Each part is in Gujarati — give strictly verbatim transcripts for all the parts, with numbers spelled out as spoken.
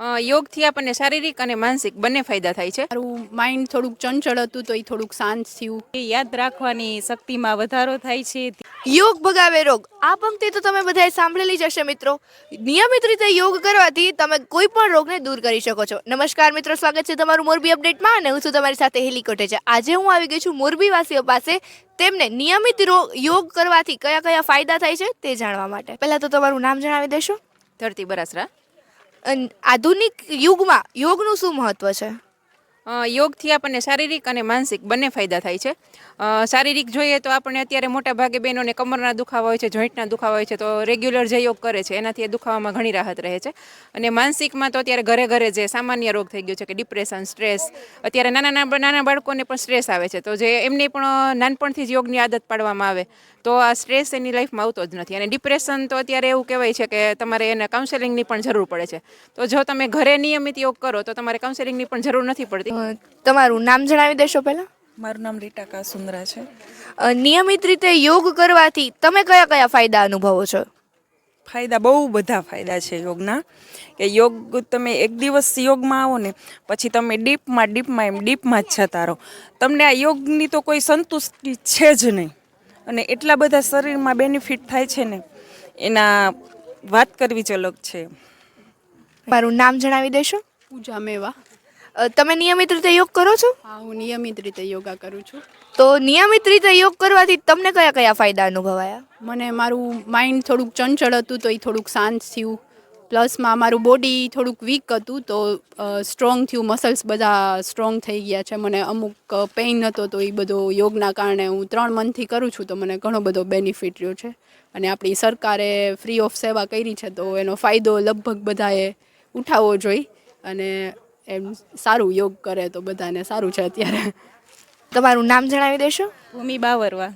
અ, યોગથી આપણને શારીરિક અને માનસિક બંને ફાયદા થાય છે. મારું માઇન્ડ થોડુંક ચંચળ હતું તો એ થોડુંક શાંત થયું. એ યાદ રાખવાની શક્તિમાં વધારો થાય છે. યોગ ભગાવે રોગ, આ પંક્તિ તો તમે બધાએ સાંભળેલી જ હશે મિત્રો. નિયમિત રીતે યોગ કરવાથી તમે કોઈ પણ રોગને દૂર કરી શકો છો. નમસ્કાર મિત્રો, સ્વાગત છે તમારું મોરબી અપડેટમાં અને હું છું તમારી સાથે હેલી કોટેચા. આજે હું આવી ગઈ છું મોરબી વાસીઓ પાસે તેમને નિયમિત યોગ કરવાથી કયા કયા ફાયદા થાય છે તે જાણવા માટે. પહેલા તો તમારું નામ જણાવી દેશો. ધરતી બરાસરા. આધુનિક યુગમાં યોગનું શું મહત્વ છે? યોગથી આપણને શારીરિક અને માનસિક બંને ફાયદા થાય છે. શારીરિક જોઈએ તો આપણને અત્યારે મોટા ભાગે બહેનોને કમરના દુખાવા હોય છે, જોઈન્ટના દુખાવા હોય છે, તો રેગ્યુલર જે યોગ કરે છે એનાથી એ દુખાવામાં ઘણી રાહત રહે છે. અને માનસિકમાં તો અત્યારે ઘરે ઘરે જે સામાન્ય રોગ થઈ ગયો છે કે ડિપ્રેશન, સ્ટ્રેસ, અત્યારે નાના નાના બાળકોને પણ સ્ટ્રેસ આવે છે, તો જે એમને પણ નાનપણથી જ યોગની આદત પાડવામાં આવે તો આ સ્ટ્રેસ એની લાઈફમાં આવતો જ નથી. અને ડિપ્રેશન તો અત્યારે એવું કહેવાય છે કે તમારે એને કાઉન્સેલિંગની પણ જરૂર પડે છે. તો જો તમે ઘરે નિયમિત યોગ કરો તો તમારે કાઉન્સેલિંગની પણ જરૂર નથી પડતી. તમારું નામ જણાવી દેશો પહેલા. મારું નામ રીટા કાસુંદ્રા છે. નિયમિત રીતે યોગ કરવાથી તમે કયા કયા ફાયદા અનુભવો છો? ફાયદા બહુ બધા ફાયદા છે યોગના. કે યોગ તમે એક દિવસ યોગમાં આવો ને પછી તમે ડીપમાં ડીપમાં એમ ડીપમાં જ જતા રહો. તમને આ યોગની તો કોઈ સંતુષ્ટિ છે જ નહીં. અને એટલા બધા શરીરમાં બેનિફિટ થાય છે ને એના વાત કરવી જ અલગ છે. મારું નામ જણાવી દેશો. પૂજા મેવા. તમે નિયમિત રીતે યોગ કરો છો? હા, હું નિયમિત રીતે યોગા કરું છું. તો નિયમિત રીતે યોગ કરવાથી તમને કયા કયા ફાયદા અનુભવાયા? મને મારું માઇન્ડ થોડુંક ચંચળ હતું તો એ થોડુંક શાંત થયું. પ્લસમાં મારું બોડી થોડુંક વીક હતું તો સ્ટ્રોંગ થયું, મસલ્સ બધા સ્ટ્રોંગ થઈ ગયા છે. મને અમુક પેઇન હતો તો એ બધો યોગના કારણે હું ત્રણ મંથથી કરું છું તો મને ઘણો બધો બેનિફિટ રહ્યો છે. અને આપણી સરકારે ફ્રી ઓફ સેવા કરી છે તો એનો ફાયદો લગભગ બધાએ ઉઠાવવો જોઈએ. અને એમ સારું યોગ કરે તો બધાને સારું છે અત્યારે. તમારું નામ જણાવી દેશો. ભૂમિ બાવરવા.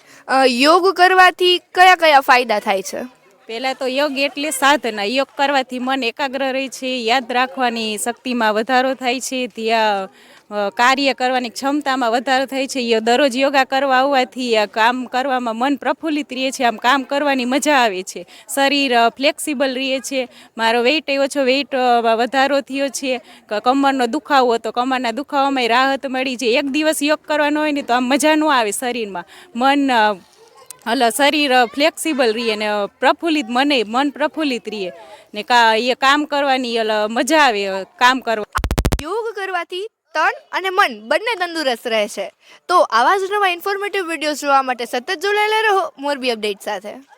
યોગ કરવાથી કયા કયા ફાયદા થાય છે? પહેલાં તો યોગ એટલે સાધના. યોગ કરવાથી મન એકાગ્ર રહે છે, યાદ રાખવાની શક્તિમાં વધારો થાય છે, ત્યાં કાર્ય કરવાની ક્ષમતામાં વધારો થાય છે. દરરોજ યોગા કરવા આવવાથી કામ કરવામાં મન પ્રફુલ્લિત રહે છે, આમ કામ કરવાની મજા આવે છે, શરીર ફ્લેક્સિબલ રહે છે. મારો વેઇટ એ ઓછો વેઇટ વધારો થયો છે. કમરનો દુખાવો હતો, કમરના દુખાવામાં રાહત મળી છે. એક દિવસ યોગ કરવાનો હોય ને તો આમ મજા ન આવે શરીરમાં. મન હલો શરીર ફ્લેક્સિબલ રહીએ ને પ્રફુલ્લિત મને મન પ્રફુલ્લિત રહીએ ને કા એ કામ કરવાની મજા આવે કામ કરવા. યોગ કરવાથી તન અને મન બંને તંદુરસ્ત રહે છે. તો આવા જ નવા ઇન્ફોર્મેટિવ વિડીયોઝ જોવા માટે સતત જોડાયેલા રહો મોરબી અપડેટ સાથે.